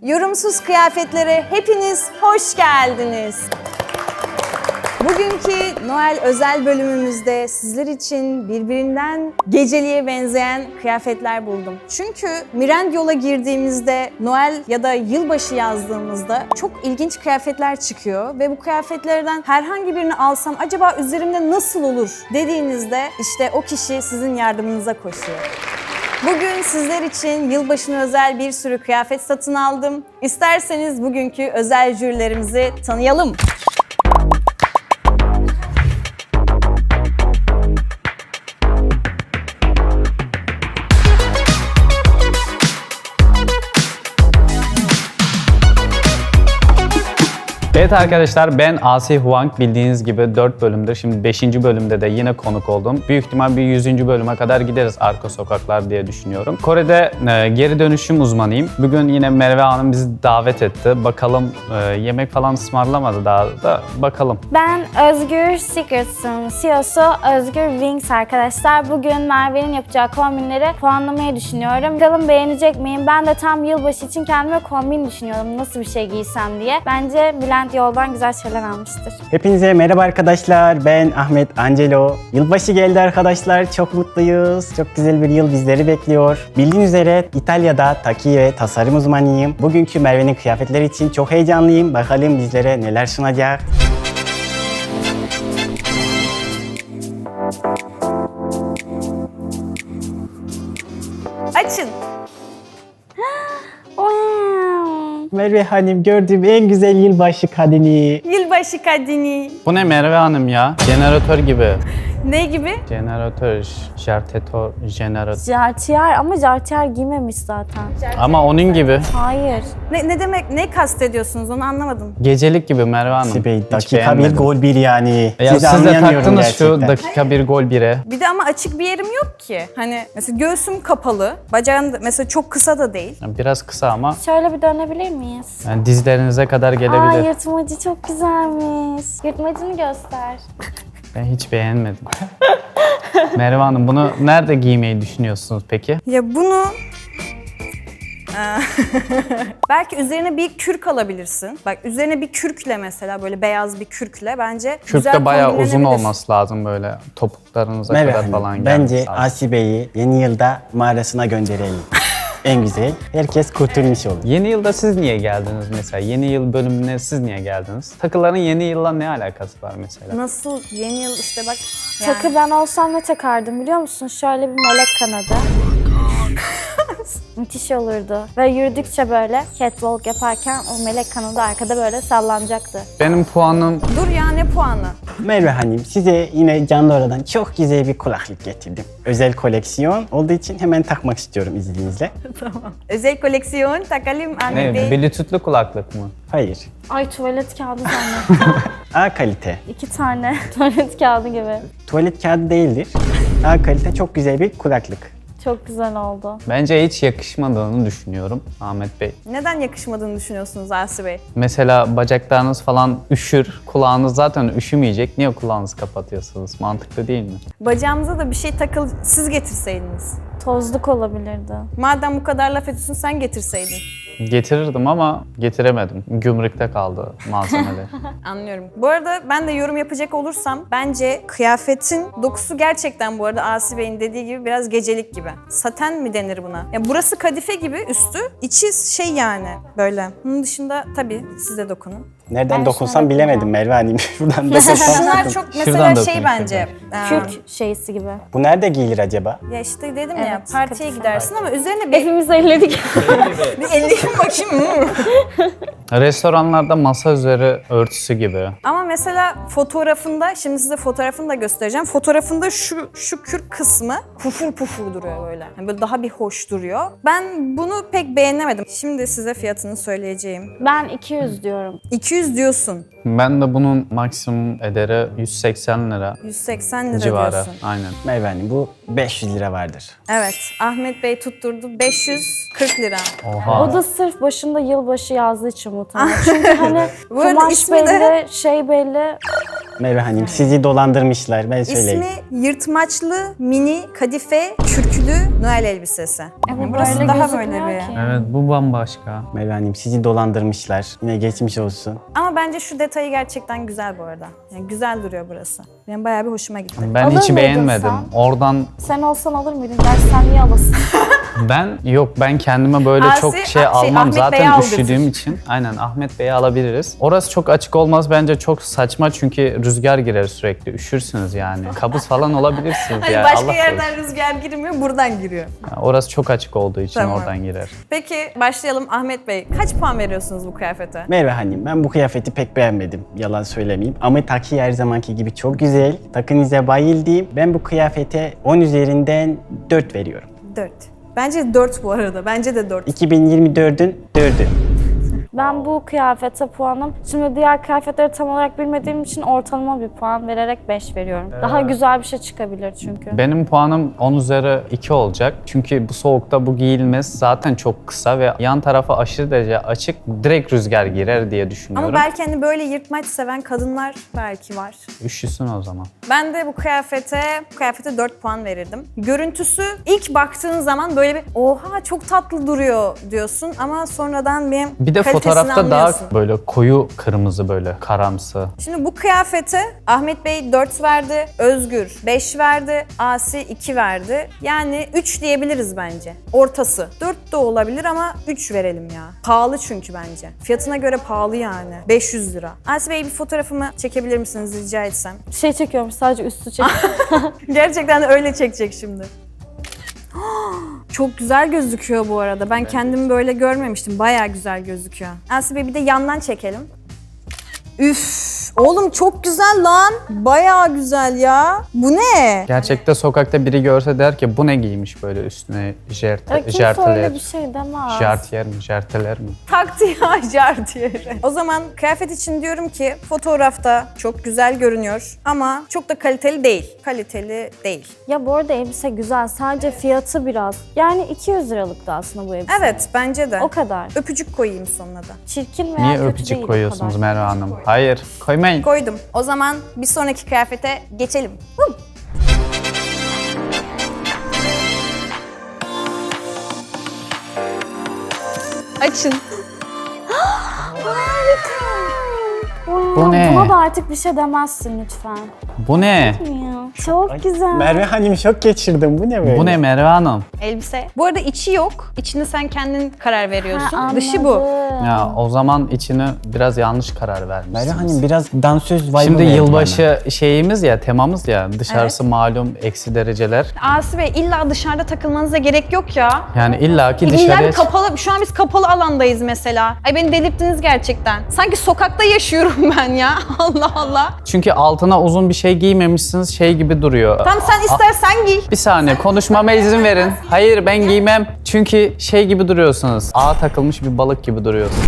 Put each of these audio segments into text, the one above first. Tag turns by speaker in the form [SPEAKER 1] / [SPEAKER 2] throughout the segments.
[SPEAKER 1] Yorumsuz kıyafetlere hepiniz hoş geldiniz. Bugünkü Noel özel bölümümüzde sizler için birbirinden geceliğe benzeyen kıyafetler buldum. Çünkü Mirendyol'a girdiğimizde Noel ya da yılbaşı yazdığımızda çok ilginç kıyafetler çıkıyor ve bu kıyafetlerden herhangi birini alsam acaba üzerimde nasıl olur dediğinizde işte o kişi sizin yardımınıza koşuyor. Bugün sizler için yılbaşına özel bir sürü kıyafet satın aldım. İsterseniz bugünkü özel jürilerimizi tanıyalım.
[SPEAKER 2] Evet arkadaşlar, ben Asi Huang. Bildiğiniz gibi 4 bölümdür. Şimdi 5. bölümde de yine konuk oldum. Büyük ihtimal bir 100. bölüme kadar gideriz arka sokaklar diye düşünüyorum. Kore'de geri dönüşüm uzmanıyım. Bugün yine Merve Hanım bizi davet etti. Bakalım yemek falan ısmarlamadı daha da bakalım.
[SPEAKER 3] Ben Özgür Secrets'ın CEO'su Özgür Wings arkadaşlar. Bugün Merve'nin yapacağı kombinleri puanlamayı düşünüyorum. Bakalım beğenecek miyim? Ben de tam yılbaşı için kendime kombin düşünüyorum. Nasıl bir şey giysem diye. Bence Bülent Yoldan güzel şeyler almıştır.
[SPEAKER 4] Hepinize merhaba arkadaşlar. Ben Ahmet Angelo. Yılbaşı geldi arkadaşlar. Çok mutluyuz. Çok güzel bir yıl bizleri bekliyor. Bildiğiniz üzere İtalya'da taki ve tasarım uzmanıyım. Bugünkü Merve'nin kıyafetleri için çok heyecanlıyım. Bakalım bizlere neler sunacak.
[SPEAKER 1] Açın.
[SPEAKER 4] Merve Hanım, gördüğüm en güzel yılbaşı kadını.
[SPEAKER 1] Yılbaşı kadını.
[SPEAKER 2] Bu ne Merve Hanım ya? Jeneratör gibi.
[SPEAKER 1] Ne gibi?
[SPEAKER 2] Jeneratör, jeneratör.
[SPEAKER 3] Jartier ama Jartier giymemiş zaten.
[SPEAKER 2] Ama onun gibi.
[SPEAKER 3] Hayır.
[SPEAKER 1] Ne demek, ne kastediyorsunuz onu anlamadım.
[SPEAKER 2] Gecelik gibi Merve Hanım.
[SPEAKER 4] Sibey,
[SPEAKER 2] Hiç
[SPEAKER 4] dakika bir
[SPEAKER 2] beğenmedim.
[SPEAKER 4] gol bir yani.
[SPEAKER 2] Ya
[SPEAKER 4] Sizi
[SPEAKER 2] siz de
[SPEAKER 4] anlayamıyorum
[SPEAKER 2] taktınız şu
[SPEAKER 4] gerçekten.
[SPEAKER 2] dakika bir gol 1'e.
[SPEAKER 1] Bir de ama açık bir yerim yok ki. Hani mesela göğsüm kapalı, bacağım da mesela çok kısa da değil.
[SPEAKER 2] Biraz kısa ama
[SPEAKER 3] Şöyle bir dönebilir miyiz?
[SPEAKER 2] yani dizlerinize kadar
[SPEAKER 3] Aa,
[SPEAKER 2] gelebilir.
[SPEAKER 3] yırtmacı çok güzelmiş. Yırtmacını göster.
[SPEAKER 2] Ben hiç beğenmedim. Merve Hanım, bunu nerede giymeyi düşünüyorsunuz peki?
[SPEAKER 1] Ya bunu... Belki üzerine bir kürk alabilirsin. Bak üzerine bir kürkle mesela böyle beyaz bir kürkle bence
[SPEAKER 2] Kürk
[SPEAKER 1] güzel
[SPEAKER 2] de bayağı uzun
[SPEAKER 1] kombinlenebilir.
[SPEAKER 2] olması lazım böyle topuklarınıza
[SPEAKER 4] Merve
[SPEAKER 2] kadar
[SPEAKER 4] Hanım,
[SPEAKER 2] falan
[SPEAKER 4] bence
[SPEAKER 2] gelmesi lazım.
[SPEAKER 4] Asibe'yi yeni yılda mağarasına gönderelim. En güzel. Herkes kurtulmuş olur.
[SPEAKER 2] Yeni yılda siz niye geldiniz mesela? Yeni yıl bölümüne siz niye geldiniz? Takıların yeni yılla ne alakası var mesela?
[SPEAKER 1] Nasıl yeni yıl işte bak yani.
[SPEAKER 3] Takı ben olsam ne takardım biliyor musun? Şöyle bir melek kanadı. Müthiş olurdu. Ve yürüdükçe böyle catwalk yaparken o melek kanadı arkada böyle sallanacaktı.
[SPEAKER 2] Benim puanım
[SPEAKER 1] Dur ya ne puanı?
[SPEAKER 4] Merve Hanım, size yine Candora'dan çok güzel bir kulaklık getirdim. Özel koleksiyon olduğu için hemen takmak istiyorum izninizle.
[SPEAKER 1] Özel koleksiyon takalım anne
[SPEAKER 2] ne?
[SPEAKER 1] bey.
[SPEAKER 2] Bluetooth'lu kulaklık mı?
[SPEAKER 4] Hayır.
[SPEAKER 3] Ay tuvalet kağıdı zannettim.
[SPEAKER 4] A kalite.
[SPEAKER 3] 2 tane tuvalet kağıdı gibi.
[SPEAKER 4] Tuvalet kağıdı değildir. A kalite çok güzel bir kulaklık.
[SPEAKER 3] Çok güzel oldu.
[SPEAKER 2] Bence hiç yakışmadığını düşünüyorum Ahmet Bey.
[SPEAKER 1] Neden yakışmadığını düşünüyorsunuz Asi Bey?
[SPEAKER 2] Mesela bacaklarınız falan üşür, kulağınız zaten üşümeyecek. Niye kulağınızı kapatıyorsunuz? Mantıklı değil mi?
[SPEAKER 1] Bacağımıza da bir şey takıl siz getirseydiniz.
[SPEAKER 3] Tozluk olabilirdi.
[SPEAKER 1] Madem bu kadar laf ediyorsun sen getirseydin.
[SPEAKER 2] Getirirdim ama getiremedim. Gümrükte kaldı malzemeler.
[SPEAKER 1] Anlıyorum. Bu arada ben de yorum yapacak olursam bence kıyafetin dokusu gerçekten bu arada Asi Bey'in dediği gibi biraz gecelik gibi. Saten mi denir buna? Ya burası kadife gibi üstü, içi şey yani böyle. Bunun dışında tabii siz de dokunun.
[SPEAKER 4] Nereden
[SPEAKER 3] Ben
[SPEAKER 4] dokunsam
[SPEAKER 3] şuna
[SPEAKER 4] bilemedim Merve Hanım. Şuradan dokunsam.
[SPEAKER 1] Bunlar çok mesela
[SPEAKER 2] Şuradan
[SPEAKER 1] şey
[SPEAKER 2] dokunun
[SPEAKER 1] bence.
[SPEAKER 3] Kürk şeysi gibi.
[SPEAKER 4] Bu nerede giyilir acaba?
[SPEAKER 1] Ya işte dedim ya
[SPEAKER 3] Evet,
[SPEAKER 1] partiye
[SPEAKER 3] kadife.
[SPEAKER 1] gidersin ama üzerine bir,
[SPEAKER 3] Hepimiz elledik.
[SPEAKER 1] bir elleyeyim bakayım.
[SPEAKER 2] Restoranlarda masa üzeri örtüsü gibi.
[SPEAKER 1] Ama mesela fotoğrafında, şimdi size fotoğrafını da göstereceğim. Fotoğrafında şu kürk kısmı pufur pufur duruyor böyle. Yani böyle daha bir hoş duruyor. Ben bunu pek beğenemedim. Şimdi size fiyatını söyleyeceğim.
[SPEAKER 3] Ben 200 diyorum.
[SPEAKER 1] 200 diyorsun.
[SPEAKER 2] Ben de bunun maksimum ederi 180 lira
[SPEAKER 1] 180 lira
[SPEAKER 2] civarı.
[SPEAKER 1] diyorsun.
[SPEAKER 2] Aynen.
[SPEAKER 4] Merve Hanım, bu 500 lira vardır.
[SPEAKER 1] Evet. Ahmet Bey tutturdu. 540 lira.
[SPEAKER 2] Oha.
[SPEAKER 3] O da sırf başında yılbaşı yazdığı için muhtemelen. Çünkü hani
[SPEAKER 1] Bu arada
[SPEAKER 3] kumaş
[SPEAKER 1] ismi de-
[SPEAKER 3] belli, şey belli.
[SPEAKER 4] Merve Hanım sizi dolandırmışlar ben söyleyeyim.
[SPEAKER 1] İsmi yırtmaçlı mini kadife kürklü Noel elbisesi. Burası
[SPEAKER 3] böyle
[SPEAKER 1] daha böyle
[SPEAKER 3] gözükmüyor
[SPEAKER 1] bir.
[SPEAKER 3] ki.
[SPEAKER 2] Evet, bu bambaşka.
[SPEAKER 4] Merve Hanım sizi dolandırmışlar. Yine geçmiş olsun.
[SPEAKER 1] Ama bence şu detayı gerçekten güzel bu arada. Yani güzel duruyor burası. Benim bayağı bir hoşuma gitti.
[SPEAKER 2] Ben
[SPEAKER 3] Alır
[SPEAKER 2] hiç
[SPEAKER 3] mıydın
[SPEAKER 2] beğenmedim.
[SPEAKER 3] sen?
[SPEAKER 2] Oradan
[SPEAKER 3] Sen olsan alır mıydın? Gerçi sen niye alasın?
[SPEAKER 2] ben kendime böyle
[SPEAKER 1] Asi,
[SPEAKER 2] çok şey
[SPEAKER 1] şey,
[SPEAKER 2] almam
[SPEAKER 1] Ahmet Bey'e
[SPEAKER 2] zaten
[SPEAKER 1] al
[SPEAKER 2] üşüdüğüm
[SPEAKER 1] götür.
[SPEAKER 2] için. Aynen Ahmet Bey'i alabiliriz. Orası çok açık olmaz bence çok saçma çünkü rüzgar girer sürekli. Üşürsünüz yani. Kabız falan olabilirsiniz
[SPEAKER 1] Hani
[SPEAKER 2] ya.
[SPEAKER 1] başka
[SPEAKER 2] Allah
[SPEAKER 1] yerden
[SPEAKER 2] korusun.
[SPEAKER 1] rüzgar girmiyor, buradan giriyor.
[SPEAKER 2] Ya orası çok açık olduğu için
[SPEAKER 1] Tamam.
[SPEAKER 2] oradan girer.
[SPEAKER 1] Peki başlayalım Ahmet Bey. Kaç puan veriyorsunuz bu kıyafete?
[SPEAKER 4] Merve Hanım ben bu kıyafeti pek beğenmedim. Yalan söylemeyeyim. Ama takı her zamanki gibi çok güzel. Takınıza bayıldım. Ben bu kıyafete 10 üzerinden 4 veriyorum.
[SPEAKER 1] 4. Bence 4 bu arada. Bence de 4.
[SPEAKER 4] 2024'ün 4'ü.
[SPEAKER 3] Ben bu kıyafete puanım, şimdi diğer kıyafetleri tam olarak bilmediğim için ortalama bir puan vererek 5 veriyorum. Daha güzel bir şey çıkabilir çünkü.
[SPEAKER 2] Benim puanım 10 üzeri 2 olacak. Çünkü bu soğukta bu giyilmez. Zaten çok kısa ve yan tarafı aşırı derece açık. Direkt rüzgar girer diye düşünüyorum.
[SPEAKER 1] Ama belki hani böyle yırtmaç seven kadınlar belki var.
[SPEAKER 2] Üşüsün o zaman.
[SPEAKER 1] Ben de bu kıyafete 4 puan verirdim. Görüntüsü ilk baktığın zaman böyle bir oha çok tatlı duruyor diyorsun ama sonradan
[SPEAKER 2] Bir de
[SPEAKER 1] kalitesini
[SPEAKER 2] fotoğrafta daha
[SPEAKER 1] anlıyorsun.
[SPEAKER 2] böyle koyu kırmızı böyle karamsı.
[SPEAKER 1] Şimdi bu kıyafete Ahmet Bey 4 verdi, Özgür 5 verdi, Asi 2 verdi. Yani 3 diyebiliriz bence. Ortası. 4 de olabilir ama 3 verelim ya. Pahalı çünkü bence. Fiyatına göre pahalı yani. 500 lira. Asi Bey bir fotoğrafımı çekebilir misiniz rica etsem?
[SPEAKER 3] Şey çekiyorum, sadece üstü çekiyorum.
[SPEAKER 1] Gerçekten de öyle çekecek şimdi. Çok güzel gözüküyor bu arada. Ben kendimi böyle görmemiştim. Bayağı güzel gözüküyor. Asi Bey bir de yandan çekelim. Üf! Oğlum çok güzel lan. Bayağı güzel ya. Bu ne?
[SPEAKER 2] Gerçekte sokakta biri görse der ki bu ne giymiş böyle üstüne
[SPEAKER 3] Kimse öyle bir şey demez.
[SPEAKER 2] jartiyer mi?
[SPEAKER 1] Taktı ya jartiyeri. O zaman kıyafet için diyorum ki fotoğrafta çok güzel görünüyor ama çok da kaliteli değil. Kaliteli değil.
[SPEAKER 3] Ya bu arada elbise güzel, sadece fiyatı biraz. Yani 200 liralıktı aslında bu elbise.
[SPEAKER 1] Evet bence de.
[SPEAKER 3] O kadar.
[SPEAKER 1] Öpücük koyayım sonuna da.
[SPEAKER 3] Çirkin veya
[SPEAKER 2] Niye
[SPEAKER 3] kötü
[SPEAKER 2] öpücük
[SPEAKER 3] değil o
[SPEAKER 2] koyuyorsunuz
[SPEAKER 3] kadar.
[SPEAKER 2] Merve Hanım? Hayır, koymayın.
[SPEAKER 1] Koydum. O zaman bir sonraki kıyafete geçelim. Açın.
[SPEAKER 2] Bu ne?
[SPEAKER 3] Buna da artık bir şey demezsin lütfen.
[SPEAKER 2] Bu ne?
[SPEAKER 3] Ya, çok güzel.
[SPEAKER 4] Merve Hanım şok geçirdim. Bu ne böyle?
[SPEAKER 2] Bu ne Merve Hanım?
[SPEAKER 1] Elbise. Bu arada içi yok. İçine sen kendin karar veriyorsun.
[SPEAKER 3] Ha,
[SPEAKER 1] Dışı bu.
[SPEAKER 3] anladım.
[SPEAKER 2] Ya o zaman içine biraz yanlış karar
[SPEAKER 4] Merve
[SPEAKER 2] vermişsiniz.
[SPEAKER 4] Hanım biraz dansöz vibe'ı
[SPEAKER 2] Şimdi
[SPEAKER 4] verdi
[SPEAKER 2] yılbaşı şeyimiz ya, temamız ya. Dışarısı
[SPEAKER 1] Evet.
[SPEAKER 2] malum eksi dereceler.
[SPEAKER 1] Asi Bey illa dışarıda takılmanıza gerek yok ya.
[SPEAKER 2] Yani illaki
[SPEAKER 1] İlla
[SPEAKER 2] dışarıya...
[SPEAKER 1] bir kapalı, şu an biz kapalı alandayız mesela. Ay beni delirttiniz gerçekten. Sanki sokakta yaşıyorum ben ya. Allah Allah.
[SPEAKER 2] Çünkü altına uzun bir şey giymemişsiniz, şey gibi duruyor.
[SPEAKER 1] Tamam sen istersen giy.
[SPEAKER 2] Bir saniye konuşmama izin verin. Hayır ben giymem. Çünkü şey gibi duruyorsunuz. Ağa takılmış bir balık gibi duruyorsunuz.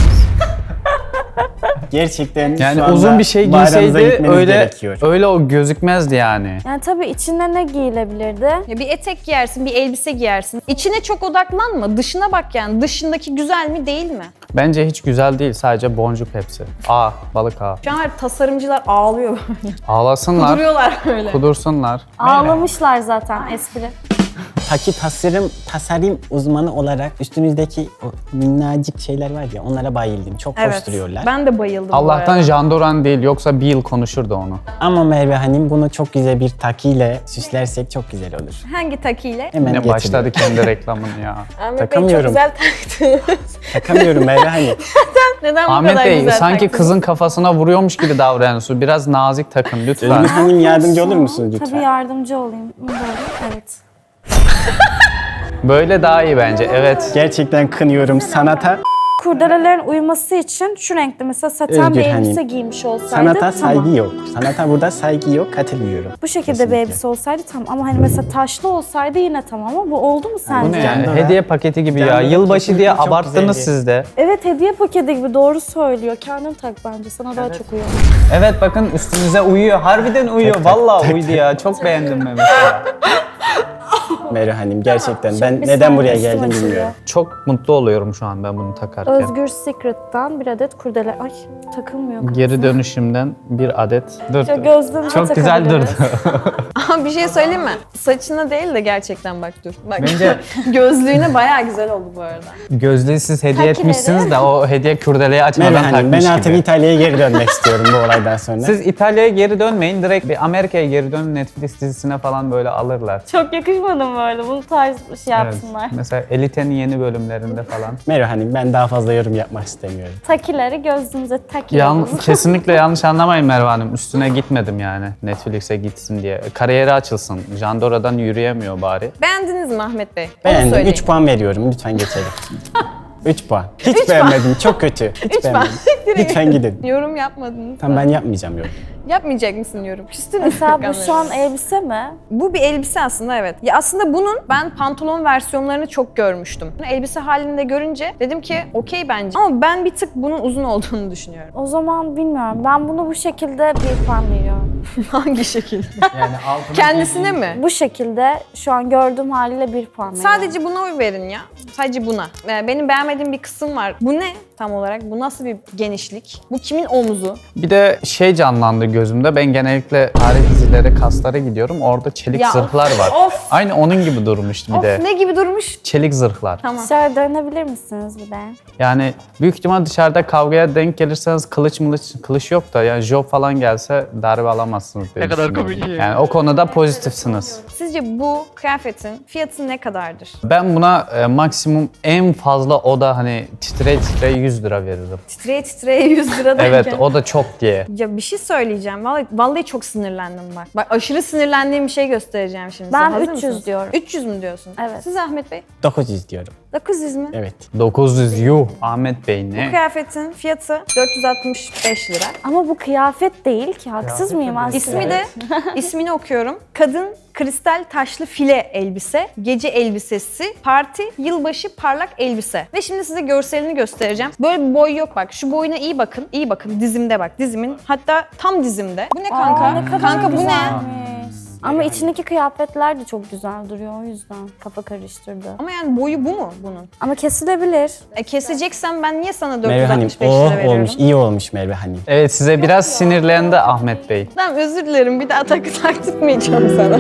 [SPEAKER 4] Gerçekten
[SPEAKER 2] Yani
[SPEAKER 4] şu anda
[SPEAKER 2] uzun bir şey
[SPEAKER 4] mağaranıza
[SPEAKER 2] giyseydi
[SPEAKER 4] gitmeniz
[SPEAKER 2] öyle
[SPEAKER 4] gerekiyor.
[SPEAKER 2] öyle o gözükmezdi yani.
[SPEAKER 3] Yani tabii içinde ne giyilebilirdi?
[SPEAKER 1] Ya bir etek giyersin, bir elbise giyersin. İçine çok odaklanma. Dışına bak yani. Dışındaki güzel mi değil mi?
[SPEAKER 2] Bence hiç güzel değil. Sadece boncuk hepsi. Aa, balık ağa.
[SPEAKER 1] Şu an tasarımcılar ağlıyor böyle.
[SPEAKER 2] Ağlasınlar,
[SPEAKER 1] Duruyorlar böyle.
[SPEAKER 2] kudursunlar.
[SPEAKER 3] Ağlamışlar zaten espri.
[SPEAKER 4] Taki tasarım uzmanı olarak üstünüzdeki o minnacık şeyler var ya onlara bayıldım. Çok hoş duruyorlar.
[SPEAKER 1] Ben de bayıldım bu
[SPEAKER 2] Allah'tan
[SPEAKER 1] arada.
[SPEAKER 2] Jandoran değil yoksa bir yıl konuşurdu onu.
[SPEAKER 4] Ama Merve Hanım bunu çok güzel bir takiyle süslersek çok güzel olur.
[SPEAKER 1] Hangi takiyle?
[SPEAKER 4] Hemen
[SPEAKER 2] Yine başladı
[SPEAKER 4] getiriyorum.
[SPEAKER 2] kendi reklamını ya.
[SPEAKER 1] Ahmet Bey çok
[SPEAKER 4] Takamıyorum.
[SPEAKER 1] güzel taktınız.
[SPEAKER 4] Takamıyorum Merve Hanım.
[SPEAKER 1] Neden bu
[SPEAKER 2] Ahmet
[SPEAKER 1] kadar
[SPEAKER 2] Bey
[SPEAKER 1] güzel
[SPEAKER 2] sanki
[SPEAKER 1] taktınız?
[SPEAKER 2] kızın kafasına vuruyormuş gibi davranıyorsunuz. Biraz nazik takın lütfen.
[SPEAKER 4] Özgür Hanım yardımcı olur musunuz lütfen?
[SPEAKER 3] Tabii yardımcı olayım. Böyle, evet.
[SPEAKER 2] Böyle daha iyi bence. Evet.
[SPEAKER 4] Gerçekten kınıyorum sanata.
[SPEAKER 3] Kurdelelerin uyuması için şu renkte mesela saten
[SPEAKER 4] Özgür
[SPEAKER 3] bir elbise
[SPEAKER 4] Hanım,
[SPEAKER 3] giymiş olsaydı
[SPEAKER 4] Sanata
[SPEAKER 3] tamam.
[SPEAKER 4] saygı yok. Sanata burada saygı yok, katılıyorum.
[SPEAKER 3] Bu şekilde
[SPEAKER 4] Kesinlikle.
[SPEAKER 3] bir elbise olsaydı tamam ama hani mesela taşlı olsaydı yine tamam ama bu oldu mu
[SPEAKER 2] Bu
[SPEAKER 3] sence?
[SPEAKER 2] ne?
[SPEAKER 4] Jandora.
[SPEAKER 2] Hediye paketi gibi ya.
[SPEAKER 4] Jandora
[SPEAKER 2] Yılbaşı diye
[SPEAKER 4] kesinlikle çok
[SPEAKER 2] abarttınız
[SPEAKER 4] güzeldi.
[SPEAKER 2] siz de.
[SPEAKER 3] Evet hediye paketi gibi doğru söylüyor. Kendin tak bence sana daha çok uyuyor.
[SPEAKER 2] Evet bakın üstünüze uyuyor. Harbiden uyuyor. Vallahi uydu ya. Çok beğendim ben mesela.
[SPEAKER 4] Merve Hanım gerçekten ben
[SPEAKER 3] Bir
[SPEAKER 4] neden
[SPEAKER 3] saniye,
[SPEAKER 4] buraya
[SPEAKER 3] üstüm
[SPEAKER 4] geldim
[SPEAKER 3] açılıyor.
[SPEAKER 4] bilmiyorum.
[SPEAKER 2] Çok mutlu oluyorum şu an ben bunu takarken.
[SPEAKER 3] Özgür Secret'tan bir adet kurdele. Ay takılmıyor.
[SPEAKER 2] Geri dönüşümden bir adet. Dur.
[SPEAKER 3] Şöyle gözlüğümüze
[SPEAKER 2] Çok güzel durdu.
[SPEAKER 3] takabiliriz.
[SPEAKER 1] Ama bir şey söyleyeyim mi? Saçına değil de gerçekten bak dur. Bak.
[SPEAKER 2] Bence-
[SPEAKER 1] Gözlüğüne bayağı güzel oldu bu arada.
[SPEAKER 2] Gözlüğü siz hediye
[SPEAKER 3] Takileri.
[SPEAKER 2] etmişsiniz de o hediye kurdeleyi
[SPEAKER 4] Merve
[SPEAKER 2] açmadan
[SPEAKER 4] Hanım ben
[SPEAKER 2] takmış
[SPEAKER 4] artık
[SPEAKER 2] gibi.
[SPEAKER 4] İtalya'ya geri dönmek istiyorum bu olaydan sonra.
[SPEAKER 2] Siz İtalya'ya geri dönmeyin, direkt bir Amerika'ya geri dönün, Netflix dizisine falan böyle alırlar.
[SPEAKER 3] Çok yakışmadı mı böyle? Bunu tarz bir şey
[SPEAKER 2] Evet.
[SPEAKER 3] yapsınlar.
[SPEAKER 2] Mesela Elite'nin yeni bölümlerinde falan.
[SPEAKER 4] Merve Hanım ben daha fazla yorum yapmak istemiyorum.
[SPEAKER 3] Takileri gözünüze takıyoruz.
[SPEAKER 2] Kesinlikle yanlış anlamayın Merve Hanım. Üstüne gitmedim yani Netflix'e gitsin diye. Kariyeri açılsın. Jandora'dan yürüyemiyor bari.
[SPEAKER 1] Beğendiniz mi Ahmet Bey? Onu
[SPEAKER 4] Beğendim.
[SPEAKER 1] söyleyin.
[SPEAKER 4] 3 puan veriyorum. Lütfen geçelim. 3 puan. Hiç beğenmedim. Çok kötü. Hiç
[SPEAKER 1] puan.
[SPEAKER 4] beğenmedim. Lütfen gidin.
[SPEAKER 1] Yorum yapmadınız.
[SPEAKER 4] Tamam ben yapmayacağım yorum.
[SPEAKER 1] Yapmayacak mısın yorum? Küstün mü?
[SPEAKER 3] Mesela bu şu an elbise mi?
[SPEAKER 1] Bu bir elbise aslında, evet. Ya aslında bunun ben pantolon versiyonlarını çok görmüştüm. Bunu elbise halinde görünce dedim ki okey bence. Ama ben bir tık bunun uzun olduğunu düşünüyorum.
[SPEAKER 3] O zaman bilmiyorum. Ben bunu bu şekilde bir puan veriyorum.
[SPEAKER 1] Hangi şekilde?
[SPEAKER 2] Yani altına
[SPEAKER 1] Kendisine mi?
[SPEAKER 3] Bu şekilde şu an gördüğüm haliyle bir puan veriyorum.
[SPEAKER 1] Sadece buna oy verin ya. Sadece buna. Benim beğenmediğim bir kısım var. Bu ne tam olarak? Bu nasıl bir genişlik? Bu kimin omuzu?
[SPEAKER 2] Bir de şey canlandı gözümde. Ben genellikle tarih dizileri, kaslara gidiyorum. Orada çelik
[SPEAKER 1] Ya,
[SPEAKER 2] zırhlar var.
[SPEAKER 1] of.
[SPEAKER 2] Aynı onun gibi durmuştu bir
[SPEAKER 1] Of,
[SPEAKER 2] de.
[SPEAKER 1] ne gibi durmuş?
[SPEAKER 2] Çelik zırhlar.
[SPEAKER 1] Tamam.
[SPEAKER 3] Dışarı dönebilir misiniz bir de?
[SPEAKER 2] Yani büyük ihtimal dışarıda kavgaya denk gelirseniz kılıç yok da yani job falan gelse darbe alamazsınız diye
[SPEAKER 5] Ne kadar
[SPEAKER 2] düşünüyorum.
[SPEAKER 5] komik.
[SPEAKER 2] Yani o konuda pozitifsiniz.
[SPEAKER 1] Sizce bu kıyafetin fiyatı ne kadardır?
[SPEAKER 2] Ben buna maksimum en fazla o da hani titre 100 lira veririm.
[SPEAKER 1] Titreye titreye 100 lira derken.
[SPEAKER 2] Evet o da çok diye.
[SPEAKER 1] Ya bir şey söyleyeceğim. Vallahi çok sinirlendim bak. Bak aşırı sinirlendiğim bir şey göstereceğim şimdi size.
[SPEAKER 3] Ben
[SPEAKER 1] Hazır
[SPEAKER 3] 300
[SPEAKER 1] mısınız?
[SPEAKER 3] diyorum.
[SPEAKER 1] 300 mü diyorsun?
[SPEAKER 3] Evet.
[SPEAKER 1] Siz Ahmet Bey?
[SPEAKER 4] 900 diyorum.
[SPEAKER 1] 900 mü?
[SPEAKER 4] Evet.
[SPEAKER 2] 900 yuh. Ahmet Bey
[SPEAKER 1] Bu
[SPEAKER 2] ne?
[SPEAKER 1] kıyafetin fiyatı 465 lira.
[SPEAKER 3] Ama bu kıyafet değil ki. Haksız mıyım aslında?
[SPEAKER 1] İsmi de, ismini okuyorum. Kadın kristal taşlı file elbise, gece elbisesi, parti, yılbaşı parlak elbise. Ve şimdi size görselini göstereceğim. Böyle bir boy yok bak. Şu boyuna iyi bakın. İyi bakın dizimde bak. Dizimin hatta tam dizimde. Bu ne kanka?
[SPEAKER 3] Aa, ne kadar
[SPEAKER 1] Kanka bu ne?
[SPEAKER 3] güzelmiş. Ama içindeki kıyafetler de çok güzel duruyor o yüzden. Kafa karıştırdı.
[SPEAKER 1] Ama yani boyu bu mu bunun?
[SPEAKER 3] Ama kesilebilir.
[SPEAKER 1] Keseceksen ben niye sana
[SPEAKER 4] Merve Hanım
[SPEAKER 1] 465 lira veriyorum?
[SPEAKER 4] olmuş. İyi olmuş Merve Hanım.
[SPEAKER 2] Evet size biraz sinirlendi Ahmet Bey.
[SPEAKER 1] Tamam özür dilerim. Bir daha taktırmayacağım sana.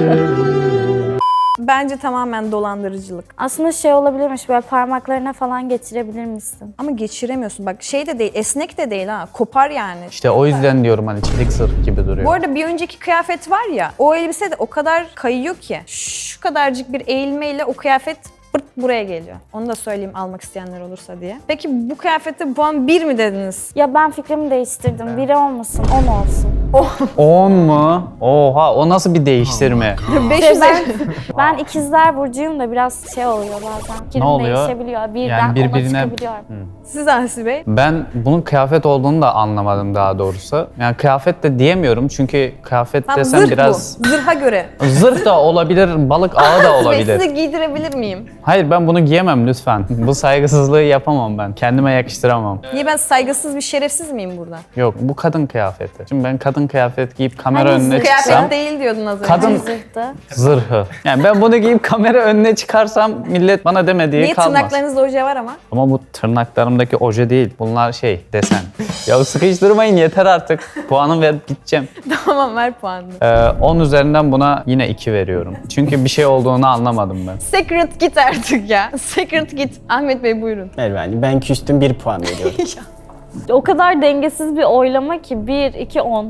[SPEAKER 1] Bence tamamen dolandırıcılık.
[SPEAKER 3] Aslında şey olabilirmiş, böyle parmaklarına falan geçirebilir misin?
[SPEAKER 1] Ama geçiremiyorsun. Bak şey de değil, esnek de değil ha. Kopar yani.
[SPEAKER 2] İşte o yüzden diyorum hani çelik zırh gibi duruyor.
[SPEAKER 1] Bu arada bir önceki kıyafet var ya, o elbise de o kadar kayıyor ki. Şu kadarcık bir eğilmeyle o kıyafet pırt buraya geliyor. Onu da söyleyeyim almak isteyenler olursa diye. Peki bu kıyafete puan 1 mi dediniz?
[SPEAKER 3] Ya ben fikrimi değiştirdim. Biri olmasın, 10 olsun.
[SPEAKER 2] 10 mu? Oha o nasıl bir değiştirme?
[SPEAKER 1] 500
[SPEAKER 3] Ben ikizler burcuyum da biraz şey oluyor bazen. Fikrim
[SPEAKER 2] oluyor?
[SPEAKER 3] değişebiliyor. Birden
[SPEAKER 2] Yani
[SPEAKER 3] ona
[SPEAKER 2] birbirine-
[SPEAKER 3] çıkabiliyorum.
[SPEAKER 1] Siz Asi Bey.
[SPEAKER 2] Ben bunun kıyafet olduğunu da anlamadım daha doğrusu. Yani kıyafet de diyemiyorum çünkü kıyafet
[SPEAKER 1] Tamam,
[SPEAKER 2] desem
[SPEAKER 1] zırh
[SPEAKER 2] biraz...
[SPEAKER 1] bu. Zırha göre.
[SPEAKER 2] Zırh da olabilir, balık ağı da
[SPEAKER 1] Asi Bey
[SPEAKER 2] olabilir.
[SPEAKER 1] size giydirebilir miyim?
[SPEAKER 2] Hayır ben bunu giyemem lütfen. Bu saygısızlığı yapamam ben. Kendime yakıştıramam.
[SPEAKER 1] Niye ben saygısız bir şerefsiz miyim burada?
[SPEAKER 2] Yok bu kadın kıyafeti. Şimdi ben kadın kıyafet giyip kamera
[SPEAKER 3] Hani
[SPEAKER 2] önüne
[SPEAKER 1] Kıyafet
[SPEAKER 2] çıksam...
[SPEAKER 1] değil diyordun az önce.
[SPEAKER 2] Kadın
[SPEAKER 3] Zırhtı.
[SPEAKER 2] zırhı. Yani ben bunu giyip kamera önüne çıkarsam millet bana demediği
[SPEAKER 1] Niye
[SPEAKER 2] kalmaz.
[SPEAKER 1] tırnaklarınızda oje var ama?
[SPEAKER 2] Ama bu tırnaklarımdaki oje değil. Bunlar şey, desen. Ya sıkıştırmayın yeter artık. Puanımı verip gideceğim.
[SPEAKER 1] Tamam ver puanını.
[SPEAKER 2] 10 üzerinden buna yine 2 veriyorum. Çünkü bir şey olduğunu anlamadım ben.
[SPEAKER 1] Secret git artık ya. Secret git. Ahmet Bey buyurun.
[SPEAKER 4] Merve Hanım ben küstüm 1 puan veriyorum.
[SPEAKER 3] O kadar dengesiz bir oylama ki 1, 2, 10.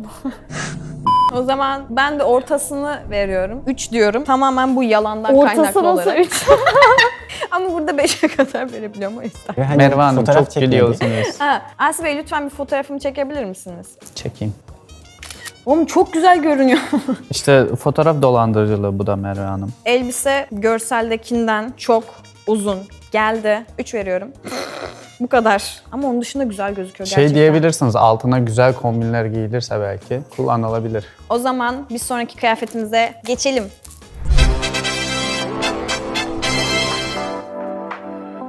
[SPEAKER 1] O zaman ben de ortasını veriyorum. 3 diyorum. Tamamen bu yalandan
[SPEAKER 3] Ortası
[SPEAKER 1] kaynaklı
[SPEAKER 3] nasıl
[SPEAKER 1] olarak.
[SPEAKER 3] 3?
[SPEAKER 1] Ama burada 5'e kadar verebiliyorum o yüzden.
[SPEAKER 4] Merve Hanım,
[SPEAKER 2] Merve Hanım
[SPEAKER 4] fotoğraf
[SPEAKER 2] çok
[SPEAKER 4] çekmedi.
[SPEAKER 2] gülüyorsunuz.
[SPEAKER 1] Ha, Asi Bey lütfen bir fotoğrafımı çekebilir misiniz?
[SPEAKER 2] Çekeyim.
[SPEAKER 1] Oğlum çok güzel görünüyor.
[SPEAKER 2] İşte fotoğraf dolandırıcılığı bu da Merve Hanım.
[SPEAKER 1] Elbise görseldekinden çok uzun geldi. 3 veriyorum. Bu kadar. Ama onun dışında güzel gözüküyor gerçekten.
[SPEAKER 2] Şey diyebilirsiniz altına güzel kombinler giyilirse belki kullanılabilir.
[SPEAKER 1] O zaman bir sonraki kıyafetimize geçelim.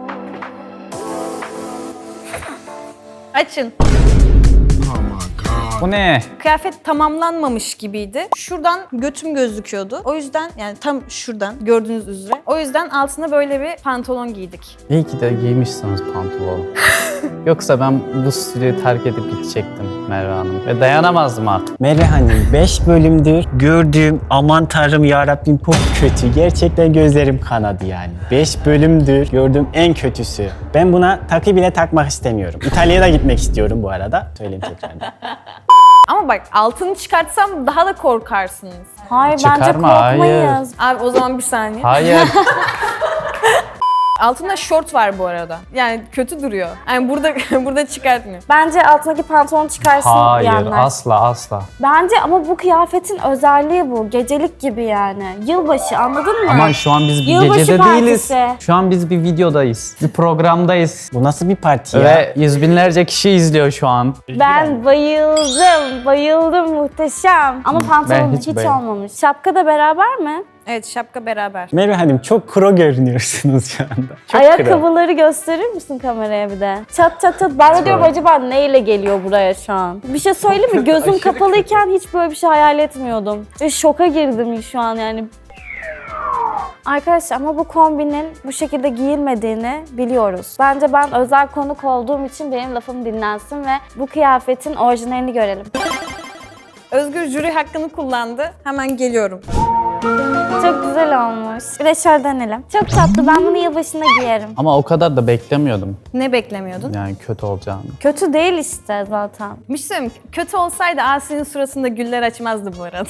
[SPEAKER 1] Açın.
[SPEAKER 6] Oh my God.
[SPEAKER 2] Bu ne?
[SPEAKER 1] Kıyafet tamamlanmamış gibiydi. Şuradan götüm gözüküyordu. O yüzden yani tam şuradan gördüğünüz üzere. O yüzden altına böyle bir pantolon giydik.
[SPEAKER 2] İyi ki de giymişsiniz pantolon. Yoksa ben bu stüdyoyu terk edip gidecektim Merve Hanım. Ve dayanamazdım artık.
[SPEAKER 4] Merve Hanım 5 bölümdür gördüğüm aman tanrım yarabbim çok kötü. Gerçekten gözlerim kanadı yani. 5 bölümdür gördüğüm en kötüsü. Ben buna takı bile takmak istemiyorum. İtalya'ya da gitmek istiyorum bu arada. Söyleyeyim tekrardan.
[SPEAKER 1] Ama bak altını çıkartsam daha da korkarsınız.
[SPEAKER 3] Hayır bence
[SPEAKER 2] Çıkarma,
[SPEAKER 3] korkmayız.
[SPEAKER 1] Abi o zaman bir saniye.
[SPEAKER 2] Hayır.
[SPEAKER 1] Altında şort var bu arada. Yani kötü duruyor. Yani burada çıkartmıyor.
[SPEAKER 3] Bence altındaki pantolonu çıkarsın
[SPEAKER 2] Hayır,
[SPEAKER 3] diyenler.
[SPEAKER 2] asla.
[SPEAKER 3] Bence ama bu kıyafetin özelliği bu. Gecelik gibi yani. Yılbaşı anladın mı?
[SPEAKER 2] Aman şu an biz bir
[SPEAKER 3] Yılbaşı
[SPEAKER 2] gecede değiliz.
[SPEAKER 3] partisi.
[SPEAKER 2] Şu an biz bir videodayız. Bir programdayız.
[SPEAKER 4] Bu nasıl bir parti ya?
[SPEAKER 2] Ve yüz binlerce kişi izliyor şu an.
[SPEAKER 3] Ben bayıldım muhteşem. Ama pantolon
[SPEAKER 2] hiç
[SPEAKER 3] hiç
[SPEAKER 2] beğenmedim.
[SPEAKER 3] olmamış. Şapka da beraber mi?
[SPEAKER 1] Evet şapka beraber.
[SPEAKER 4] Merve Hanım çok kro görünüyorsunuz şu anda. Çok kro.
[SPEAKER 3] Ayakkabıları gösterir misin kameraya bir de? Çat çat çat. Ben de diyorum acaba neyle geliyor buraya şu an? Bir şey söyleyeyim mi? Gözüm kapalıyken hiç böyle bir şey hayal etmiyordum. Ve şoka girdim şu an yani. Arkadaşlar ama bu kombinin bu şekilde giyilmediğini biliyoruz. Bence ben özel konuk olduğum için benim lafım dinlensin ve bu kıyafetin orijinalini görelim.
[SPEAKER 1] Özgür jüri hakkını kullandı. Hemen geliyorum.
[SPEAKER 3] Çok güzel olmuş. Bir de şöyle denelim. Çok tatlı. Ben bunu yılbaşında giyerim.
[SPEAKER 2] Ama o kadar da beklemiyordum.
[SPEAKER 1] Ne beklemiyordun?
[SPEAKER 2] Yani kötü olacağını.
[SPEAKER 3] Kötü değil işte zaten.
[SPEAKER 1] Bir şey söyleyeyim mi? Kötü olsaydı Asi'nin suratında güller açmazdı bu arada.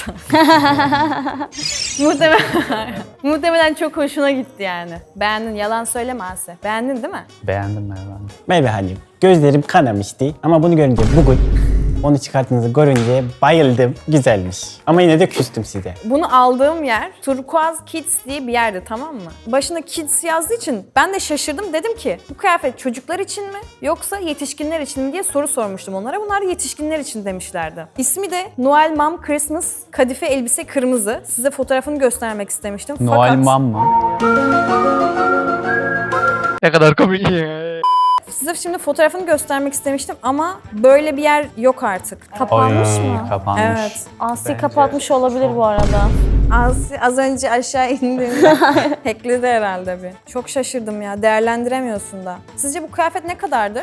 [SPEAKER 1] Muhtemelen çok hoşuna gitti yani. Beğendin, yalan söyleme Asi. Beğendin değil mi?
[SPEAKER 2] Beğendim Merve Hanım.
[SPEAKER 4] Merve Hanım gözlerim kanamıştı ama bunu görünce bugün onu çıkarttığınızı görünce bayıldım. Güzelmiş. Ama yine de küstüm size.
[SPEAKER 1] Bunu aldığım yer Turkuaz Kids diye bir yerdi, tamam mı? Başına Kids yazdığı için ben de şaşırdım. Dedim ki bu kıyafet çocuklar için mi yoksa yetişkinler için mi diye soru sormuştum onlara. Bunlar yetişkinler için demişlerdi. İsmi de Noel Mom Christmas kadife elbise kırmızı. Size fotoğrafını göstermek istemiştim.
[SPEAKER 2] Noel Mom mı? Ne kadar komik ya.
[SPEAKER 1] Size şimdi fotoğrafını göstermek istemiştim ama böyle bir yer yok artık.
[SPEAKER 3] Kapanmış mı?
[SPEAKER 2] Kapanmış.
[SPEAKER 1] Evet.
[SPEAKER 3] Asi kapatmış olabilir bu arada.
[SPEAKER 1] Az önce aşağı indiğimde hackledi herhalde bir. Çok şaşırdım ya. Değerlendiremiyorsun da. Sizce bu kıyafet ne kadardır?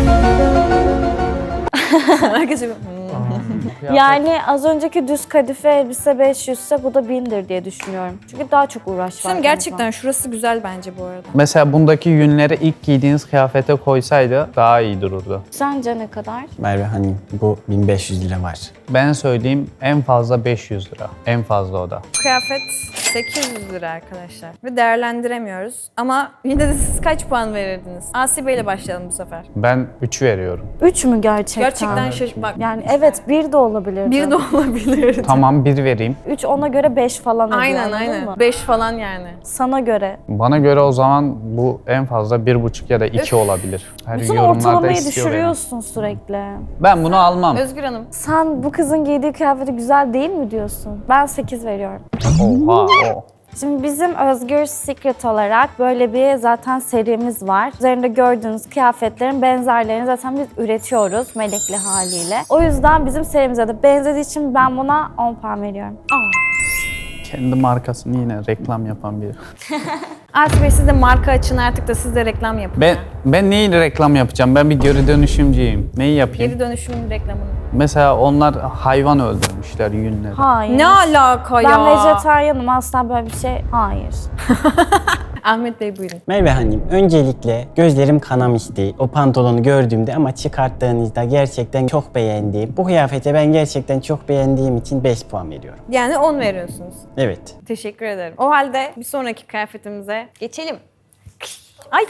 [SPEAKER 1] Herkes bir,
[SPEAKER 3] Yani az önceki düz kadife elbise 500 ise bu da 1000'dir diye düşünüyorum. Çünkü daha çok uğraş var.
[SPEAKER 1] Şimdi gerçekten şurası güzel bence bu arada.
[SPEAKER 2] Mesela bundaki yünleri ilk giydiğiniz kıyafete koysaydı daha iyi dururdu.
[SPEAKER 3] Sence ne kadar?
[SPEAKER 4] Merve Hanım bu 1500 lira var.
[SPEAKER 2] Ben söyleyeyim en fazla 500 lira. En fazla o da.
[SPEAKER 1] Kıyafet 800 lira arkadaşlar. Ve değerlendiremiyoruz. Ama yine de siz kaç puan verirdiniz? Asi Bey'le başlayalım bu sefer.
[SPEAKER 2] Ben 3 veriyorum.
[SPEAKER 3] 3 mü gerçekten?
[SPEAKER 1] Gerçekten bak.
[SPEAKER 3] Yani evet 1 de olabilirdi.
[SPEAKER 1] Bir de olabilir.
[SPEAKER 2] Tamam 1 vereyim.
[SPEAKER 3] 3 ona göre 5 falan ediyor.
[SPEAKER 1] Aynen
[SPEAKER 3] anladın
[SPEAKER 1] aynen.
[SPEAKER 3] mı?
[SPEAKER 1] 5 falan yani.
[SPEAKER 3] Sana göre.
[SPEAKER 2] Bana göre o zaman bu en fazla 1,5 ya da 2 olabilir. Her
[SPEAKER 3] Bütün
[SPEAKER 2] yorumlarda
[SPEAKER 3] ortalamayı
[SPEAKER 2] istiyor beni.
[SPEAKER 3] düşürüyorsun sürekli.
[SPEAKER 2] Ben bunu almam.
[SPEAKER 1] Özgür Hanım.
[SPEAKER 3] Sen bu kızın giydiği kıyafeti güzel değil mi diyorsun? Ben 8 veriyorum.
[SPEAKER 2] Oha o.
[SPEAKER 3] Şimdi bizim Özgür Secret olarak böyle bir zaten serimiz var. Üzerinde gördüğünüz kıyafetlerin benzerlerini zaten biz üretiyoruz melekli haliyle. O yüzden bizim serimize de benzediği için ben buna 10 puan veriyorum.
[SPEAKER 2] Kendi markasını yine reklam yapan biri.
[SPEAKER 1] Asi Bey siz de marka açın artık da siz de reklam yapın.
[SPEAKER 2] Ben neyi reklam yapacağım? Ben bir geri dönüşümcüyüm. Neyi yapayım?
[SPEAKER 1] Geri dönüşüm reklamını.
[SPEAKER 2] Mesela onlar hayvan öldürmüşler yünleri.
[SPEAKER 3] Hayır.
[SPEAKER 1] Ne alaka ya?
[SPEAKER 3] Ben vejetaryenim, asla böyle bir şey. Hayır.
[SPEAKER 1] Ahmet Bey buyurun.
[SPEAKER 4] Merve Hanım öncelikle gözlerim kanamıştı o pantolonu gördüğümde ama çıkarttığınızda gerçekten çok beğendim. Bu kıyafete ben gerçekten çok beğendiğim için 5 puan veriyorum.
[SPEAKER 1] Yani 10 veriyorsunuz.
[SPEAKER 4] Evet.
[SPEAKER 1] Teşekkür ederim. O halde bir sonraki kıyafetimize geçelim. Ay!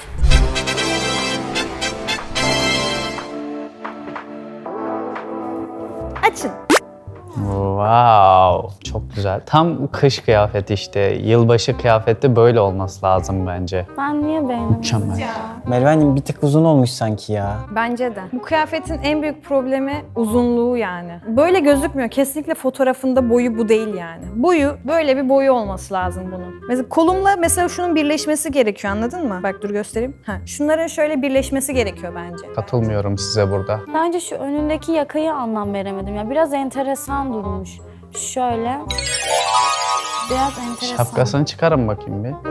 [SPEAKER 1] Açın.
[SPEAKER 2] Wow, çok güzel. Tam kış kıyafeti işte. Yılbaşı kıyafeti böyle olması lazım bence.
[SPEAKER 3] Ben niye beğenmedim?
[SPEAKER 2] Mükemmel.
[SPEAKER 4] Merve Hanım bir tık uzun olmuş sanki ya.
[SPEAKER 1] Bence de. Bu kıyafetin en büyük problemi uzunluğu yani. Böyle gözükmüyor. Kesinlikle fotoğrafında boyu bu değil yani. Boyu, böyle bir boyu olması lazım bunun. Mesela kolumla mesela şunun birleşmesi gerekiyor, anladın mı? Bak dur göstereyim. Şunların şöyle birleşmesi gerekiyor bence.
[SPEAKER 2] Katılmıyorum size burada.
[SPEAKER 3] Bence şu önündeki yakayı anlam veremedim ya. Biraz enteresan durmuş. Şöyle. Biraz enteresan.
[SPEAKER 2] Şapkasını çıkarın bakayım bir.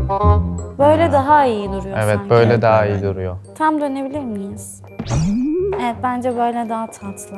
[SPEAKER 3] Böyle daha iyi duruyor
[SPEAKER 2] Evet,
[SPEAKER 3] sanki.
[SPEAKER 2] böyle daha iyi duruyor.
[SPEAKER 3] Tam dönebilir miyiz? Evet, bence böyle daha tatlı.